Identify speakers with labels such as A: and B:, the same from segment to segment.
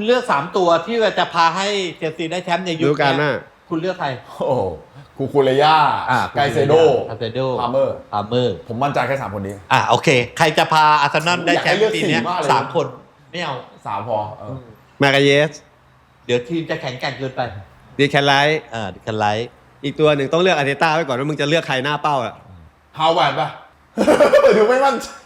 A: เลือก3ตัวที่จะพาให้เชลซีได้แชมป์ในยุคนี้คุณเลือกใคร
B: โอ้คูเรย่าไกเซโดพาเมอร์ผมมั่นใจแค่3คนนี้
A: โอเคใครจะพาอาร์เซนอลได้แชมป์ปีนี้3คนไม่เอา
B: 3พอ
C: มากาเยส
A: เดี๋ยวทีมจะแข็งแกร่งเกินไป
C: ดีแคนไลท์
A: ดีแคนไลท์
C: อีกตัวหนึ่งต้องเลือกอาร์เตต้าไว้ก่อนว่ามึงจะเลือกใครหน้าเป้า
B: ฮาวเวิร์ดป่ะดูไม่มั่นใจ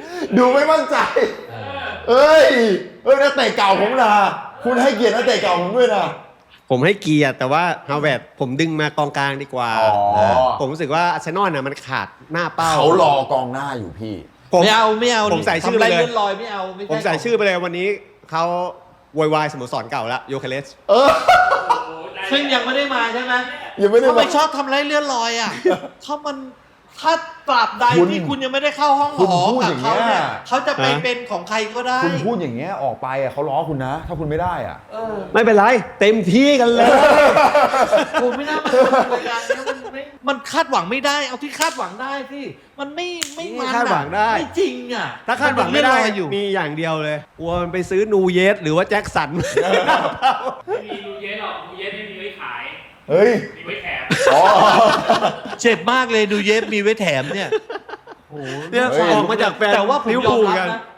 B: เอ้ยนักเตะเก่าผมนะคุณให้เกียรตินักเตะเก่าผมด้วยนะ
C: ผมให้เกียรติแต่ว่าฮาวเวิร์ดผมดึงมากองกลางดีกว่าผมรู้สึกว่าอาร์เซนอลน่ะมันขาดหน้าเป้า
B: เขารอกองหน้าอยู่พี่
A: ไม่เอา
C: ผมใส่ชื่อไปเลย
A: ไม่เอา
C: ผมใส่ชื่อไปเลยวันนี้เขาวายสโมสรเก่าแล้วโยเคเลส
A: ซึ่งยังไม่ได้มาใช่ไหม
B: ยังไม่ได้มา
A: ไม่ชอบทำไรเลื่อนลอยถ้าตราบใดที่คุณยังไม่ได้เข้าห้องหอกับเขาเนี่ยเขาจะไปเป็นของใครก็ได้
B: คุณพูดอย่างเงี้ยออกไปเขาล้อคุณนะถ้าคุณไม่ได้
C: ไม่เป็นไรเต็มที่กันเลย
A: คุณไม่น่ามาทำรายการนี้มันคาดหวังไม่ได้เอาที่คาดหวังได้ที่มันไม่
C: คาดหวังได้
A: ไม่จริง
C: ถ้าคาดหวังไม่ได้มีอย่างเดียวเลยกลัวมันไปซื้อนูเยสหรือว่าแจ็คสัน
D: ไม่มีนูเยสหรอกนูเยสไม่มีไว้ขายมีไว้แถม
A: เจ็บมากเลยดูเย็บมีไว้แถมเนี่ย
C: ออกมาจากแฟน
A: แต่ว่าผมยอมรับนะ